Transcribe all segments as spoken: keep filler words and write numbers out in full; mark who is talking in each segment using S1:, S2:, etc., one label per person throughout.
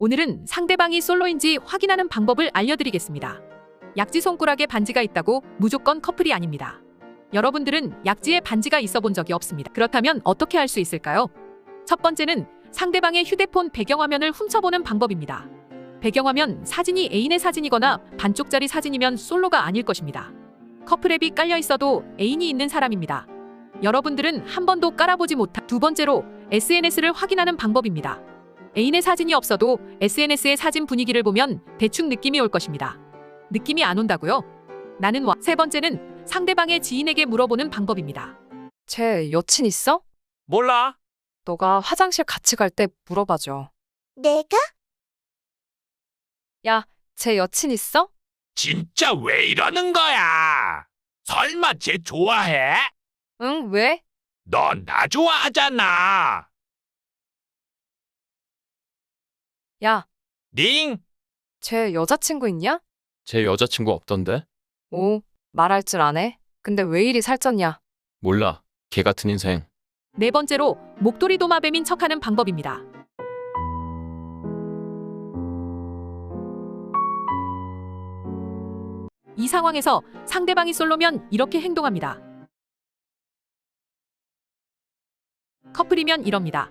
S1: 오늘은 상대방이 솔로인지 확인하는 방법을 알려드리겠습니다. 약지 손가락에 반지가 있다고 무조건 커플이 아닙니다. 여러분들은 약지에 반지가 있어 본 적이 없습니다. 그렇다면 어떻게 할 수 있을까요? 첫 번째는 상대방의 휴대폰 배경화면을 훔쳐보는 방법입니다. 배경화면 사진이 애인의 사진이거나 반쪽짜리 사진이면 솔로가 아닐 것입니다. 커플앱이 깔려 있어도 애인이 있는 사람입니다. 여러분들은 한 번도 깔아보지 못한. 두 번째로 에스엔에스를 확인하는 방법입니다. 애인의 사진이 없어도 에스엔에스의 사진 분위기를 보면 대충 느낌이 올 것입니다. 느낌이 안 온다고요? 나는 와. 세 번째는 상대방의 지인에게 물어보는 방법입니다.
S2: 쟤 여친 있어?
S3: 몰라.
S2: 너가 화장실 같이 갈 때 물어봐줘.
S4: 내가?
S2: 야, 쟤 여친 있어?
S3: 진짜 왜 이러는 거야? 설마 쟤 좋아해?
S2: 응, 왜?
S3: 넌 나 좋아하잖아.
S2: 야,
S3: 링?
S2: 쟤 여자친구 있냐?
S5: 제 여자친구 없던데?
S2: 오, 말할 줄 아네. 근데 왜 이리 살쪘냐?
S5: 몰라. 개 같은 인생.
S1: 네 번째로 목도리 도마뱀인 척하는 방법입니다. 이 상황에서 상대방이 솔로면 이렇게 행동합니다. 커플이면 이럽니다.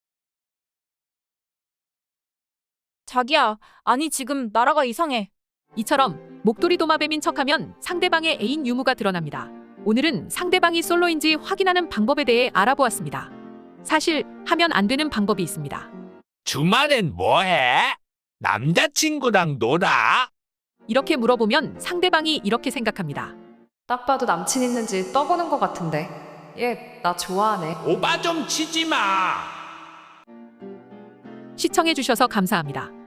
S6: 자기야, 아니 지금 나라가 이상해.
S1: 이처럼 목도리 도마뱀인 척하면 상대방의 애인 유무가 드러납니다. 오늘은 상대방이 솔로인지 확인하는 방법에 대해 알아보았습니다. 사실 하면 안 되는 방법이 있습니다.
S3: 주말엔 뭐해? 남자친구랑 놀아?
S1: 이렇게 물어보면 상대방이 이렇게 생각합니다.
S2: 딱 봐도 남친 있는지 떠보는 것 같은데. 얘, 나 좋아하네.
S3: 오바 좀 치지 마.
S1: 시청해주셔서 감사합니다.